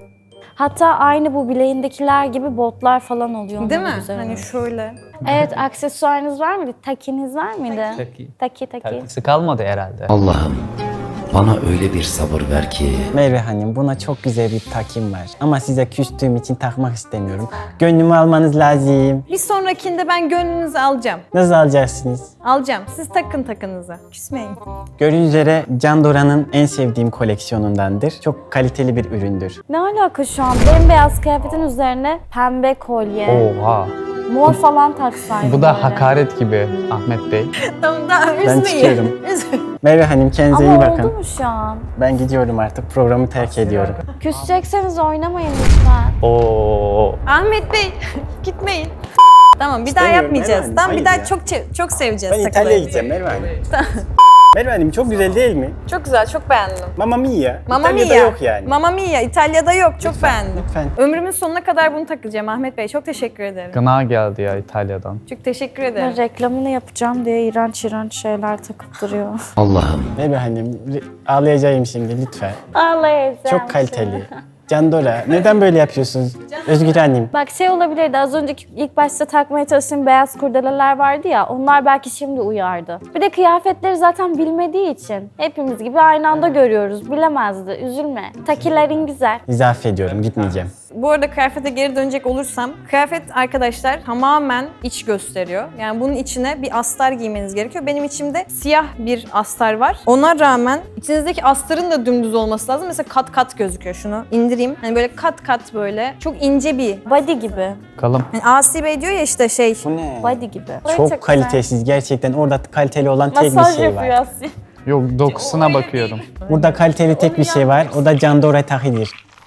[SPEAKER 3] Hatta aynı bu bileğindekiler gibi botlar falan oluyor.
[SPEAKER 1] Değil
[SPEAKER 3] Onlar
[SPEAKER 1] mi?
[SPEAKER 3] güzel
[SPEAKER 1] Hani
[SPEAKER 3] oluyor.
[SPEAKER 1] şöyle.
[SPEAKER 3] Evet, aksesuarınız var mıydı? Takiniz var mıydı? Taki.
[SPEAKER 2] Takısı kalmadı herhalde.
[SPEAKER 5] Allah'ım bana öyle bir sabır ver ki
[SPEAKER 4] Merve Hanım buna çok güzel bir takım var. Ama size küstüğüm için takmak istemiyorum. Gönlümü almanız lazım.
[SPEAKER 1] Bir sonrakinde ben gönlünüzü alacağım.
[SPEAKER 4] Nasıl alacaksınız?
[SPEAKER 1] Alacağım. Siz takın takınızı. Küsmeyin.
[SPEAKER 4] Gördüğünüz üzere Candora'nın en sevdiğim koleksiyonundandır. Çok kaliteli bir üründür.
[SPEAKER 3] Ne alaka şu an? Bembeyaz kıyafetin üzerine pembe kolye,
[SPEAKER 2] Oha.
[SPEAKER 3] mor falan taksaydı
[SPEAKER 2] Bu da
[SPEAKER 3] böyle.
[SPEAKER 2] hakaret gibi Ahmet Bey.
[SPEAKER 1] Tamam daha üzmeyin.
[SPEAKER 4] Ben çıkıyorum.
[SPEAKER 1] Üzmeyin.
[SPEAKER 4] Merve Hanım kendinize iyi
[SPEAKER 3] Ama
[SPEAKER 4] bakın.
[SPEAKER 3] oldu mu şu an?
[SPEAKER 4] Ben gidiyorum artık. Programı terk ediyorum.
[SPEAKER 3] Küsecekseniz oynamayın lütfen.
[SPEAKER 2] Oo.
[SPEAKER 1] Ahmet Bey gitmeyin. Tamam bir daha
[SPEAKER 4] İstemiyorum
[SPEAKER 1] yapmayacağız.
[SPEAKER 4] Merve Hanım,
[SPEAKER 1] Tamam bir
[SPEAKER 4] hayır
[SPEAKER 1] daha
[SPEAKER 4] ya.
[SPEAKER 1] çok seveceğiz
[SPEAKER 4] Ben
[SPEAKER 1] takıları.
[SPEAKER 4] İtalya'ya gideceğim Merve Hanım. Merve Hanım çok güzel değil mi?
[SPEAKER 1] Çok güzel, çok beğendim.
[SPEAKER 4] Mamma Mia.
[SPEAKER 1] Mamma
[SPEAKER 4] İtalya'da
[SPEAKER 1] Mia.
[SPEAKER 4] yok yani.
[SPEAKER 1] Mamma Mia, İtalya'da yok. Çok beğendim.
[SPEAKER 4] Lütfen.
[SPEAKER 1] Ömrümün sonuna kadar bunu takacağım Ahmet Bey. Çok teşekkür ederim.
[SPEAKER 2] Gına geldi ya İtalya'dan.
[SPEAKER 1] Çok teşekkür
[SPEAKER 3] Ben
[SPEAKER 1] ederim.
[SPEAKER 3] reklamını yapacağım diye iğrenç şeyler takıp duruyor.
[SPEAKER 5] Allah'ım
[SPEAKER 4] Merve Hanım ağlayacağım şimdi lütfen.
[SPEAKER 3] Ağlayacağım.
[SPEAKER 4] Çok kaliteli. Candora neden böyle yapıyorsunuz? Özgür Hanım.
[SPEAKER 3] Bak şey olabilirdi, az önceki ilk başta takmaya çalıştığım beyaz kurdeleler vardı ya, onlar belki şimdi uyardı. Bir de kıyafetleri zaten bilmediği için hepimiz gibi aynı anda görüyoruz. Bilemezdi, üzülme. Takilerin güzel.
[SPEAKER 4] İzafe ediyorum gitmeyeceğim.
[SPEAKER 1] Bu arada kıyafete geri dönecek olursam, kıyafet arkadaşlar tamamen iç gösteriyor. Yani bunun içine bir astar giymeniz gerekiyor. Benim içimde siyah bir astar var. Ona rağmen içinizdeki astarın da dümdüz olması lazım. Mesela kat kat gözüküyor, şunu indireyim. Hani böyle kat kat böyle çok ince bir.
[SPEAKER 3] Body gibi.
[SPEAKER 2] Bakalım.
[SPEAKER 1] Yani Asi Bey diyor ya işte şey.
[SPEAKER 4] Bu ne?
[SPEAKER 3] Body gibi.
[SPEAKER 4] Çok kalitesiz gerçekten. Orada kaliteli olan tek bir
[SPEAKER 3] Masaj
[SPEAKER 4] şey
[SPEAKER 3] yapıyor
[SPEAKER 4] var.
[SPEAKER 3] Asya.
[SPEAKER 2] Yok, dokusuna bakıyorum.
[SPEAKER 4] Burada kaliteli tek bir şey var. O da Candora takıdır.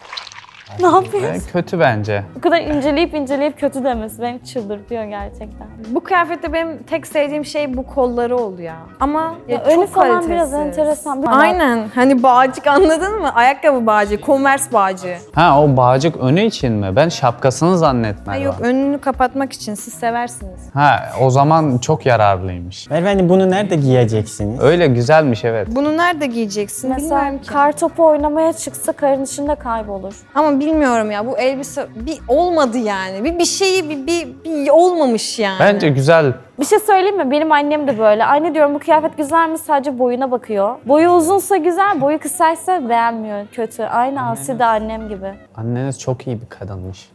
[SPEAKER 3] Ne yapıyorsun?
[SPEAKER 2] Kötü bence.
[SPEAKER 3] Bu kadar inceleyip kötü demesi beni çıldırtıyor gerçekten.
[SPEAKER 1] Bu kıyafette benim tek sevdiğim şey bu kolları oldu ya. Ama
[SPEAKER 3] Ya
[SPEAKER 1] çok
[SPEAKER 3] önü falan
[SPEAKER 1] kalitesiz.
[SPEAKER 3] biraz enteresan.
[SPEAKER 1] Aynen. Hani bağcık, anladın mı? Ayakkabı bağcığı, Converse bağcığı.
[SPEAKER 2] Ha, o bağcık önü için mi? Ben şapkasını zannetmedim.
[SPEAKER 1] Ay yok, önünü kapatmak için, siz seversiniz.
[SPEAKER 2] Ha, o zaman çok yararlıymış.
[SPEAKER 4] Merve Hanım bunu nerede giyeceksiniz?
[SPEAKER 2] Öyle güzelmiş, evet.
[SPEAKER 1] Bunu nerede giyeceksin
[SPEAKER 3] Mesela
[SPEAKER 1] bilmiyorum ki.
[SPEAKER 3] kar topu oynamaya çıksa karın içinde kaybolur.
[SPEAKER 1] Ama bilmiyorum ya, bu elbise bir olmadı yani. Bir şeyi bir olmamış yani.
[SPEAKER 2] Bence güzel.
[SPEAKER 3] Bir şey söyleyeyim mi? Benim annem de böyle. Anne diyorum bu kıyafet güzel mi? Sadece boyuna bakıyor. Boyu uzunsa güzel, boyu kısaysa beğenmiyor. Kötü. Aynı Asi de annem gibi.
[SPEAKER 2] Anneniz çok iyi bir kadınmış.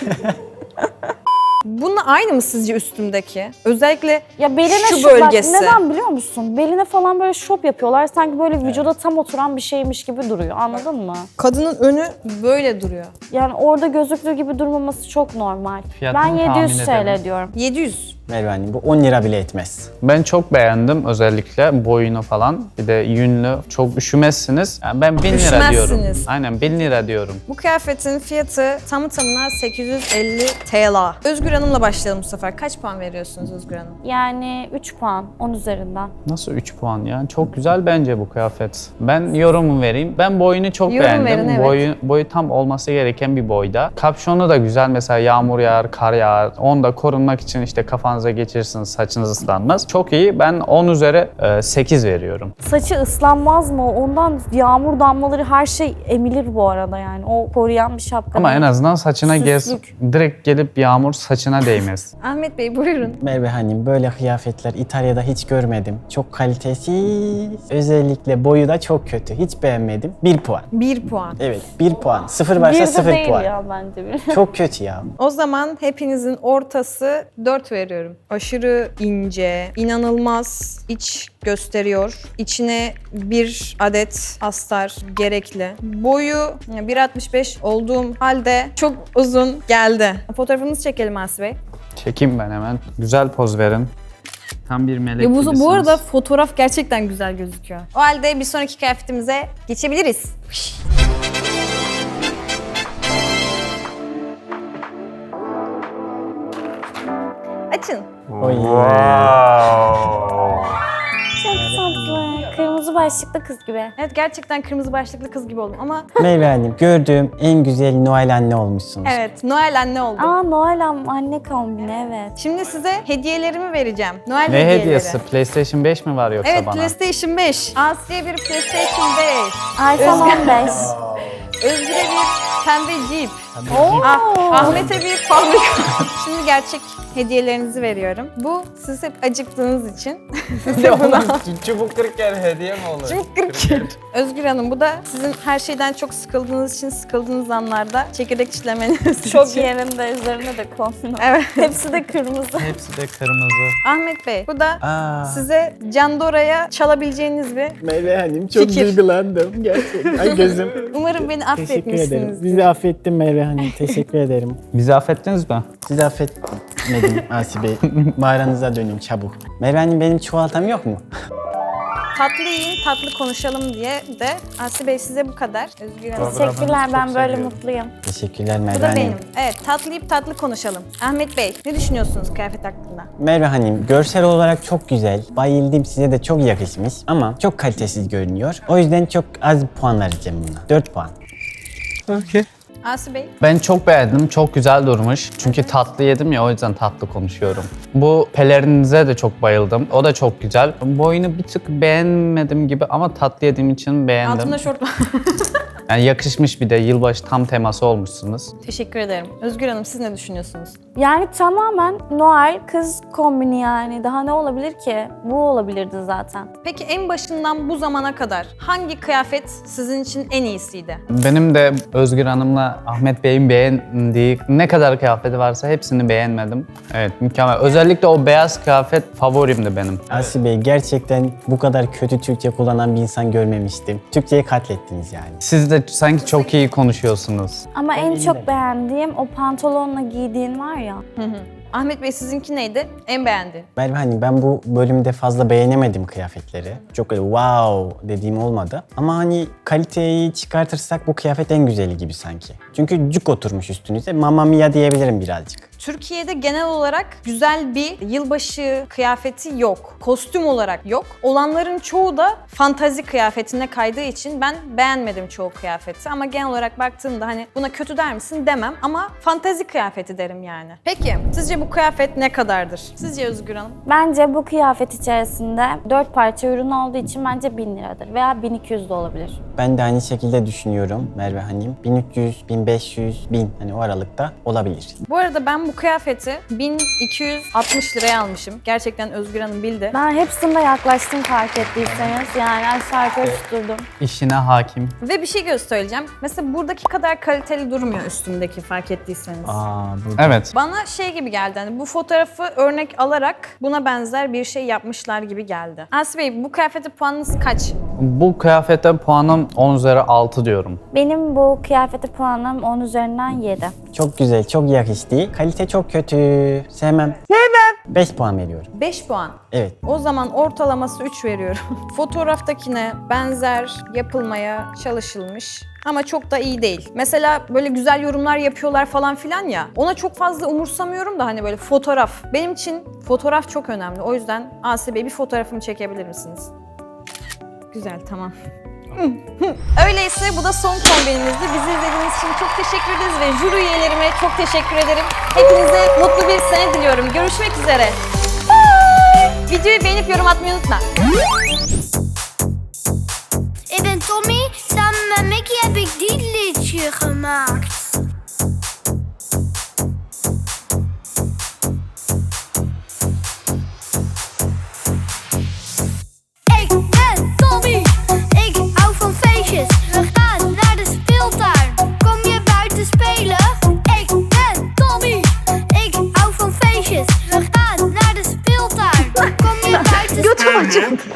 [SPEAKER 1] Bununla aynı mı sizce üstümdeki? Özellikle
[SPEAKER 3] Ya beline
[SPEAKER 1] şu
[SPEAKER 3] şop, bak,
[SPEAKER 1] bölgesi.
[SPEAKER 3] neden biliyor musun? Beline falan böyle şop yapıyorlar. Sanki böyle vücuda tam oturan bir şeymiş gibi duruyor. Anladın mı?
[SPEAKER 1] Kadının önü böyle duruyor.
[SPEAKER 3] Yani orada gözüktüğü gibi durmaması çok normal.
[SPEAKER 2] Fiyatını
[SPEAKER 3] Ben 700
[SPEAKER 2] tahmin edelim.
[SPEAKER 3] TL diyorum.
[SPEAKER 1] 700.
[SPEAKER 4] Merve Hanım bu 10 lira bile etmez.
[SPEAKER 2] Ben çok beğendim özellikle boyunu falan. Bir de yünlü. Çok üşümezsiniz. Yani ben 1000 lira diyorum.
[SPEAKER 1] Üşümezsiniz.
[SPEAKER 2] Aynen 1000 lira diyorum.
[SPEAKER 1] Bu kıyafetin fiyatı tamı tamına 850 TL. Özgür Hanım'la başlayalım bu sefer. Kaç puan veriyorsunuz Özgür Hanım?
[SPEAKER 3] Yani 3 puan 10 üzerinden.
[SPEAKER 2] Nasıl 3 puan ya? Çok güzel bence bu kıyafet. Ben yorum vereyim. Ben boyunu çok
[SPEAKER 1] Yorum
[SPEAKER 2] beğendim.
[SPEAKER 1] verin, evet.
[SPEAKER 2] Boyu tam olması gereken bir boyda. Kapşonu da güzel. Mesela yağmur yağar, kar yağar. Onu da korunmak için işte kafanıza geçirirsiniz, saçınız ıslanmaz. Çok iyi. Ben 10 üzeri 8 veriyorum.
[SPEAKER 3] Saçı ıslanmaz mı? Ondan yağmur damlaları her şey emilir bu arada yani. O koruyan bir şapka.
[SPEAKER 2] Ama
[SPEAKER 3] değil.
[SPEAKER 2] en azından saçına
[SPEAKER 3] Süslük.
[SPEAKER 2] direkt gelip yağmur saçına değmez.
[SPEAKER 1] Ahmet Bey buyurun.
[SPEAKER 4] Merve Hanım böyle kıyafetler İtalya'da hiç görmedim. Çok kalitesiz. Özellikle boyu da çok kötü. Hiç beğenmedim. 1 puan.
[SPEAKER 1] 1 puan.
[SPEAKER 4] Evet 1 puan. 0
[SPEAKER 3] Bir
[SPEAKER 4] varsa
[SPEAKER 3] de
[SPEAKER 4] 0
[SPEAKER 3] değil
[SPEAKER 4] puan.
[SPEAKER 3] ya bence bir.
[SPEAKER 4] Çok kötü ya.
[SPEAKER 1] O zaman hepinizin ortası 4 veriyorum. ederim. Aşırı ince, inanılmaz iç gösteriyor. İçine bir adet astar gerekli. Boyu 1.65 olduğum halde çok uzun geldi. Fotoğrafınızı çekelim Asi Bey.
[SPEAKER 2] Çekeyim ben hemen. Güzel poz verin. Tam bir melek
[SPEAKER 1] Ya
[SPEAKER 2] gibisiniz.
[SPEAKER 1] bu arada fotoğraf gerçekten güzel gözüküyor. O halde bir sonraki kıyafetimize geçebiliriz. Açın.
[SPEAKER 4] Oy.
[SPEAKER 3] Çok tatlı. Kırmızı başlıklı kız gibi.
[SPEAKER 1] Evet gerçekten kırmızı başlıklı kız gibi oldum ama
[SPEAKER 4] Merve Hanım, gördüğüm en güzel Noel anne olmuşsunuz.
[SPEAKER 1] evet Noel anne oldum.
[SPEAKER 3] Aa Noel anne kombini evet.
[SPEAKER 1] Şimdi size hediyelerimi vereceğim. Noel
[SPEAKER 2] Ne
[SPEAKER 1] hediyeleri.
[SPEAKER 2] hediyesi? PlayStation 5 mi var yoksa
[SPEAKER 1] Evet
[SPEAKER 2] bana?
[SPEAKER 1] PlayStation 5. Aslı'ya bir PlayStation 5.
[SPEAKER 3] iPhone 15.
[SPEAKER 1] Özgür'e bir pembe Jeep.
[SPEAKER 3] Oo.
[SPEAKER 1] Ahmet'e bir fabrika. Şimdi gerçek hediyelerinizi veriyorum. Bu siz hep acıktığınız için. Size bunu
[SPEAKER 2] Çubuk kırıkken hediye mi olur?
[SPEAKER 1] çok kırık. Özgür Hanım bu da sizin her şeyden çok sıkıldığınız için sıkıldığınız anlarda çekirdek çitlemeniz
[SPEAKER 3] Çok
[SPEAKER 1] için.
[SPEAKER 3] yerinde üzerine de kombin.
[SPEAKER 1] Evet.
[SPEAKER 3] Hepsi de kırmızı.
[SPEAKER 2] Hepsi de kırmızı.
[SPEAKER 1] Ahmet Bey bu da
[SPEAKER 4] Aa,
[SPEAKER 1] size Candora'ya çalabileceğiniz bir
[SPEAKER 4] Merve Hanım çok
[SPEAKER 1] Fikir.
[SPEAKER 4] duygulandım gerçekten. Ay gözüm.
[SPEAKER 1] umarım beni
[SPEAKER 4] Teşekkür ederim.
[SPEAKER 1] affetmişsinizdir.
[SPEAKER 4] Bizi affettin Merve Hanım. Teşekkür ederim.
[SPEAKER 2] Bizi affettiniz mi?
[SPEAKER 4] Sizi affetmedim Asi Bey. Mağaranıza dönün çabuk. Merve Hanım benim çikolatam yok mu?
[SPEAKER 1] Tatlı yiyin, tatlı konuşalım diye de Asi Bey size bu kadar. Özgür Hanım.
[SPEAKER 3] Teşekkürler ben böyle mutluyum.
[SPEAKER 4] Teşekkürler
[SPEAKER 1] Bu
[SPEAKER 4] Merve
[SPEAKER 1] da
[SPEAKER 4] Hanım.
[SPEAKER 1] benim. Evet, tatlı yiyip tatlı konuşalım. Ahmet Bey, ne düşünüyorsunuz kıyafet hakkında?
[SPEAKER 4] Merve Hanım görsel olarak çok güzel. Bayıldım, size de çok yakışmış ama çok kalitesiz görünüyor. O yüzden çok az puan vereceğim buna. 4 puan.
[SPEAKER 1] Asi Bey,
[SPEAKER 2] Ben çok beğendim. Çok güzel durmuş. Çünkü tatlı yedim ya o yüzden tatlı konuşuyorum. Bu pelerinize de çok bayıldım. O da çok güzel. Boyunu bir tık beğenmedim gibi ama tatlı yediğim için beğendim.
[SPEAKER 1] altında şort var.
[SPEAKER 2] Yani yakışmış bir de yılbaşı tam teması olmuşsunuz.
[SPEAKER 1] Teşekkür ederim. Özgür Hanım, siz ne düşünüyorsunuz?
[SPEAKER 3] Yani tamamen Noel kız kombini yani. Daha ne olabilir ki? Bu olabilirdi zaten.
[SPEAKER 1] Peki en başından bu zamana kadar hangi kıyafet sizin için en iyisiydi?
[SPEAKER 2] Benim de Özgür Hanım'la Ahmet Bey'in beğendiği ne kadar kıyafeti varsa hepsini beğenmedim. Evet mükemmel. Özellikle o beyaz kıyafet favorimdi benim.
[SPEAKER 4] Asi Bey gerçekten bu kadar kötü Türkçe kullanan bir insan görmemiştim. Türkçeyi katlettiniz yani.
[SPEAKER 2] Siz de sanki çok iyi konuşuyorsunuz.
[SPEAKER 3] Ama en çok beğendiğim o pantolonla giydiğin var ya.
[SPEAKER 1] Ahmet Bey, sizinki neydi? En beğendiğin?
[SPEAKER 4] Merve Hanım ben bu bölümde fazla beğenemedim kıyafetleri. Çok öyle wow dediğim olmadı. Ama hani kaliteyi çıkartırsak bu kıyafet en güzeli gibi sanki. Çünkü cuk oturmuş üstünüze. Mamma mia diyebilirim birazcık.
[SPEAKER 1] Türkiye'de genel olarak güzel bir yılbaşı kıyafeti yok. Kostüm olarak yok. Olanların çoğu da fantazi kıyafetine kaydığı için ben beğenmedim çoğu kıyafeti. Ama genel olarak baktığımda hani buna kötü der misin demem ama fantazi kıyafeti derim yani. Peki sizce bu kıyafet ne kadardır? Sizce Özgür Hanım?
[SPEAKER 3] Bence bu kıyafet içerisinde 4 parça ürün olduğu için bence 1000 liradır veya 1200 de olabilir.
[SPEAKER 4] Ben de aynı şekilde düşünüyorum Merve Hanım. 1300, 1500, 1000 hani o aralıkta olabilir.
[SPEAKER 1] Bu arada ben bu kıyafeti 1260 liraya almışım. Gerçekten Özgür Hanım bildi.
[SPEAKER 3] Ben hepsinde yaklaştım fark ettiyseniz. Yani aşağı yukarı tutturdum.
[SPEAKER 2] İşine hakim.
[SPEAKER 1] Ve bir şey göstereceğim. Mesela buradaki kadar kaliteli durmuyor üstümdeki fark ettiyseniz.
[SPEAKER 4] Burada.
[SPEAKER 2] Evet.
[SPEAKER 1] Bana şey gibi geldi, hani bu fotoğrafı örnek alarak buna benzer bir şey yapmışlar gibi geldi. Asi Bey, bu kıyafete puanınız kaç?
[SPEAKER 2] Bu kıyafete puanım 10 üzeri 6 diyorum.
[SPEAKER 3] Benim bu kıyafete puanım 10 üzerinden 7.
[SPEAKER 4] Çok güzel, çok yakıştı. Kalite çok kötü. Sevmem. 5 puan veriyorum.
[SPEAKER 1] 5 puan.
[SPEAKER 4] Evet.
[SPEAKER 1] O zaman ortalaması 3 veriyorum. Fotoğraftakine benzer yapılmaya çalışılmış ama çok da iyi değil. Mesela böyle güzel yorumlar yapıyorlar falan filan ya. Ona çok fazla umursamıyorum da hani böyle fotoğraf. Benim için fotoğraf çok önemli. O yüzden Asi Bey bir fotoğrafımı çekebilir misiniz? Güzel, tamam. Öyleyse bu da son kombinimizdi. Bizi izlediğiniz için çok teşekkür ederiz ve jüri üyelerime çok teşekkür ederim. Hepinize mutlu bir sene diliyorum. Görüşmek üzere. Bye. Videoyu beğenip yorum atmayı unutma.
[SPEAKER 6] Ik ben Tommy, samen met Mickey heb ik dit liedje gemaakt.